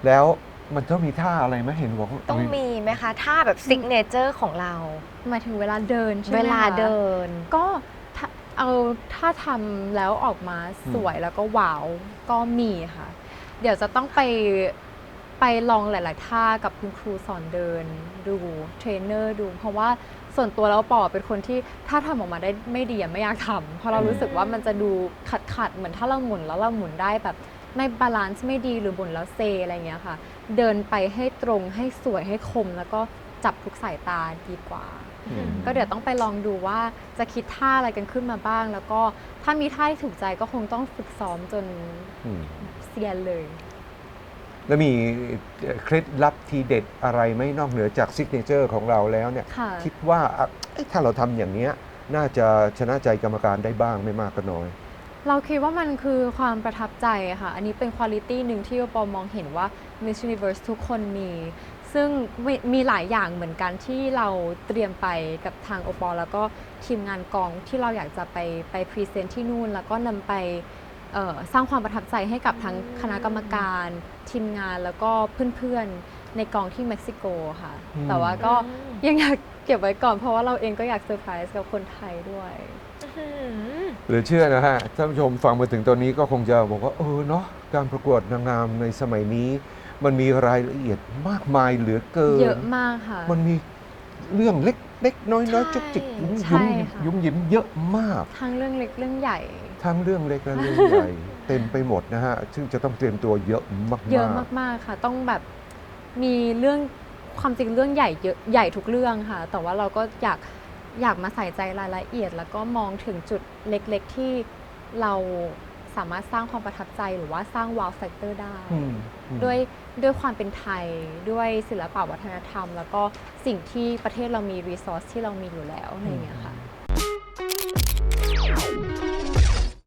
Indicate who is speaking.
Speaker 1: แล้วมันต้องมีท่าอะไรไหมเห็นบอก
Speaker 2: ต้องมีไหมคะท่าแบบซิกเนเจอร์ของเรา
Speaker 3: หมายถึงเวลาเดินใช่ไหม
Speaker 2: เวลาเดิน
Speaker 3: ก็เอาถ้าทำแล้วออกมาสวยแล้วก็ว้าวก็มีค่ะ เดี๋ยวจะต้องไปลองหลายๆท่ากับคุณครูสอนเดินดูเทรนเนอร์ดูเพราะว่าส่วนตัวแล้วปอเป็นคนที่ถ้าทำออกมาได้ไม่ดีไม่อยากทำเพราะเรารู้สึกว่ามันจะดูขัดเหมือนถ้าเราหมุนแล้วเราหมุนได้แบบไม่บาลานซ์ไม่ดีหรือหมุนแล้วเซอะไรเงี้ยค่ะเดินไปให้ตรงให้สวยให้คมแล้วก็จับทุกสายตาดีกว่าก็เดี๋ยวต้องไปลองดูว่าจะคิดท่าอะไรกันขึ้นมาบ้างแล้วก็ถ้ามีท่าที่ถูกใจก็คงต้องฝึกซ้อมจนเซียนเลย
Speaker 1: แล้วมีเคล็ดลับทีเด็ดอะไรไหมนอกเหนือจากซิกเนเจอร์ของเราแล้วเนี่ยคิดว่าถ้าเราทำอย่างนี้น่าจะชนะใจกรรมการได้บ้างไม่มากก็น้อย
Speaker 3: เราคิดว่ามันคือความประทับใจค่ะอันนี้เป็นคุณลิตี้หนึ่งที่ปอมองเห็นว่า Miss Universe ทุกคนมีซึ่งมีหลายอย่างเหมือนกันที่เราเตรียมไปกับทางโอปอแล้วก็ทีมงานกองที่เราอยากจะไปพรีเซนต์ที่นู่นแล้วก็นำไปสร้างความประทับใจให้กับทั้งคณะกรรมการทีมงานแล้วก็เพื่อนๆในกองที่เม็กซิโกค่ะแต่ว่าก็ยังอยากเก็บไว้ก่อนเพราะว่าเราเองก็อยากเซอร์ไพรส์กับคนไทยด้วย
Speaker 1: หรือเชื่อนะฮะท่านผู้ชมฟังมาถึงตอนนี้ก็คงจะบอกว่าเนาะการประกวดนางงามในสมัยนี้มันมีรายละเอียดมากมายเหลือเกิน
Speaker 3: เยอะมากค่ะ
Speaker 1: มันมีเรื่องเล็กๆน้อยๆจุกจิกยุ่มยิ้มเยอะมาก
Speaker 3: ทั้งเรื่องเล็กเรื่องใหญ่
Speaker 1: ทั้งเรื่องเล็กและเรื่องใหญ่เต็มไปหมดนะฮะซึ่งจะต้องเตรียมตัวเยอะมากๆ
Speaker 3: เยอะมากๆค่ะต้องแบบมีเรื่องความจริงเรื่องใหญ่เยอะใหญ่ทุกเรื่องค่ะแต่ว่าเราก็อยากมาใส่ใจรายละเอียดแล้วก็มองถึงจุดเล็กๆที่เราสามารถสร้างความประทับใจหรือว่าสร้าง wow factor ได้ด้วยความเป็นไทยด้วยศิลปะวัฒนธรรมแล้วก็สิ่งที่ประเทศเรามี resource ที่เรามีอยู่แล้วอะไรอย่างเงี้ยค่ะ